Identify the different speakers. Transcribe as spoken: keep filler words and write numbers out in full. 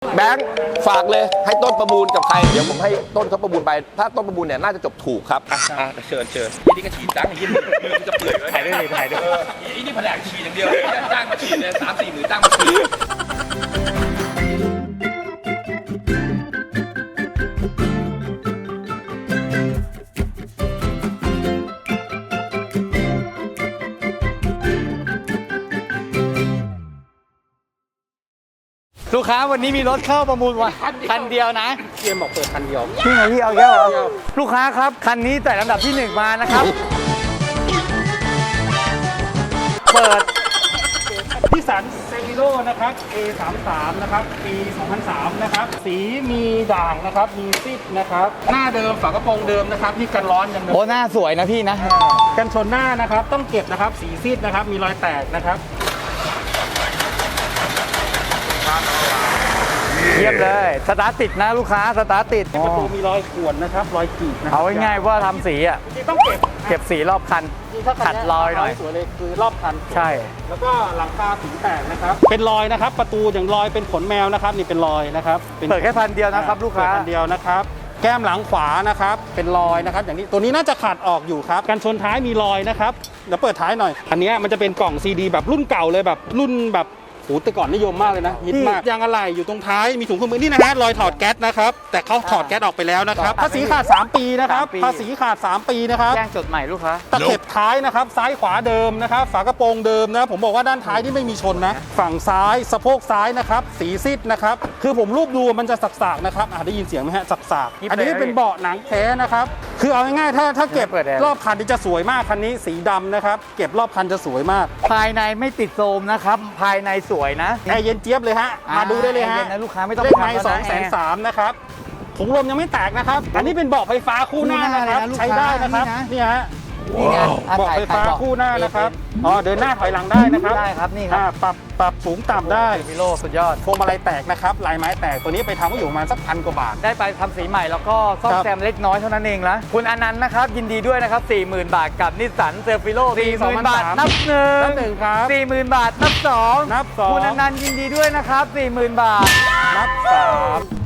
Speaker 1: แบงค์ฝากเลยให้ต้นประมูลกับใครเดี๋ยวผมให้ต้นเขาประมูลไปถ้าต้นประมูลเนี่ยน่าจะจบถูกครับอ่ะอ่ะเชิญเชิญยี่นี่ก็ฉีดจังยี่นี่มือจะเปื่อยเลยถ่ายได้เลยถ่ายได้เลยยี่นี่แผนกฉีดอย่างเดียวจ้างมาฉีดเลยสามสี่หมื่นจ้างมาฉีด
Speaker 2: ลูกค้าวันนี้มีรถเข้าประมูลวันคันเดียวนะ
Speaker 1: เกมบอกเปิดคันเดียว
Speaker 2: พี่ไงพี่เอาแก้วเหรอลูกค้าครับคันนี้แต่ลำดับที่หนึ่งมานะครับ เปิด
Speaker 3: นิสสันเซฟิโร่นะครับ เอ สามสิบสาม นะครับ ปี สองพันสาม นะครับ สีมีด่างนะครับ มีซิดนะครับ หน้าเดิมฝากระโปรงเดิมนะครับที่กันร้อนยังเดิม
Speaker 2: โอ้หน้าสวยนะพี่นะ
Speaker 3: กันชนหน้านะครับ ต้องเก็บนะครับ สีซิดนะครับ มีรอยแตกนะครับ
Speaker 2: เยี่ยมเลยสตาร์ทติดนะลูกค้าสตาร์ทติด
Speaker 3: ประตูมีรอยข่วนนะครับ รอยกรีดนะครั
Speaker 2: เอาง่ายๆว่าทำสีอ่ะ
Speaker 3: จริงๆต้องเก็บ
Speaker 2: เก็บสีรอบคัน
Speaker 3: จริงๆถ้าคัน
Speaker 2: ขัดรอยหน่อย
Speaker 3: สวยเลยคือรอบคัน
Speaker 2: ใช่
Speaker 3: แล้วก็หลังคาสีแตกนะครับ เป็นรอยนะครับ ประตูอย่างรอยเป็นขนแมวนะครับ นี่เป็นรอยนะครับป็น
Speaker 2: เปิดแค่พันเดียวนะครับลูกค้า
Speaker 3: เปิดคันเดียวนะครับ แก้มหลังขวานะครับ เป็นรอยนะครับ อย่างนี้ ตัวนี้น่าจะขาดออกอยู่ครับ กันชนท้ายมีรอยนะครับ เดี๋ยวเปิดท้ายหน่อย อันนี้มันจะเป็นกล่องซีดีแบบรุ่นเก่าเลยแบบรุ่นแบบโอ้แต่ก่อนนิยมมากเลยนะฮิตมากยางอะไหล่อยู่ตรงท้าย มีถุงเครื่องมือนี่นะฮะ รอยถอดแก๊สนะครับ แต่เขาถอดแก๊สออกไปแล้วนะครับ ภาษีขาด สาม ปีนะครับ ภาษีขาด สาม ปีนะครับ
Speaker 2: แจ้งจดใหม่ลูกค้า
Speaker 3: ตะเข็บท้ายนะครับ ซ้ายขวาเดิมนะครับ ฝากระโปรงเดิมนะ ผมบอกว่าด้านท้ายที่ไม่มีชนนะ ฝั่งซ้ายสะโพกซ้ายนะครับ สีซิดนะครับ คือผมรูปดูมันจะสักๆนะครับอ่ะได้ยินเสียงไหมฮะสัก
Speaker 2: ยิบ
Speaker 3: ๆอันนี้
Speaker 2: เลย
Speaker 3: เป็นเบาะหนังแท้นะครับ คือเอาง่ายๆถ้าถ้าเก็บ
Speaker 2: เปิดแอร์
Speaker 3: รอบคันนี่จะสวยมากคันนี้สีดำนะครับ เก็บรอบคันจะสวยมาก
Speaker 2: ภายในไม่ติดโทรมนะครับ ภายในสวยนะ
Speaker 3: แอร์เย็นเจี๊ยบเลยฮะ
Speaker 2: อ่าม
Speaker 3: มาดูได้เลยฮะ
Speaker 2: แอร์เย็นนะลูกค้าไม่ต้อง
Speaker 3: เลขไม้
Speaker 2: ทำแล้วนะ
Speaker 3: สองแสนสามนะครับถุงลมยังไม่แตกนะครับ อันนี้เป็นเบาะไฟฟ้าคู่หน้านะครับ
Speaker 2: คู่หน้าเลยนะลูก
Speaker 3: ใช้ได้นะครับ
Speaker 2: ค้านี่
Speaker 3: นี่
Speaker 2: นะ
Speaker 3: ฮะ
Speaker 2: นี่ไงอ่ะ
Speaker 3: เบาะ
Speaker 2: ถ่ย
Speaker 3: ไฟฟ้า
Speaker 2: ถ่ยเบาะ
Speaker 3: คู่หน้านะครับอ๋อเดินหน้าถอยหลังได้นะครับ
Speaker 2: ได้ครับนี่ครับ
Speaker 3: อ่าปรับปรับสูงต่ำได้
Speaker 2: พิโลสุดยอด
Speaker 3: พวงมาลัยแตกนะครับลายไม้แตกตัวนี้ไปทำก็อยู่ประมาณสักพันกว่าบาท
Speaker 2: ได้ไปทำสีใหม่แล้วก็ซ่อม
Speaker 3: ครับ
Speaker 2: แซมเล็กน้อยเท่านั้นเองนะคุณอนันต์นะครับ ยินดีด้วยนะครับ สี่หมื่น บาทกับนิสสันเซอร์ฟิโล
Speaker 3: ปี
Speaker 2: สี่หมื่น
Speaker 3: สองพัน
Speaker 2: บาท
Speaker 3: สาม
Speaker 2: นับหนึ่ง
Speaker 3: นับหนึ่งครับ
Speaker 2: สี่หมื่น บาทนับสอง
Speaker 3: นับสอง
Speaker 2: คุณอนันต์ยินดีด้วยนะครับ สี่หมื่น บาท
Speaker 3: นับสาม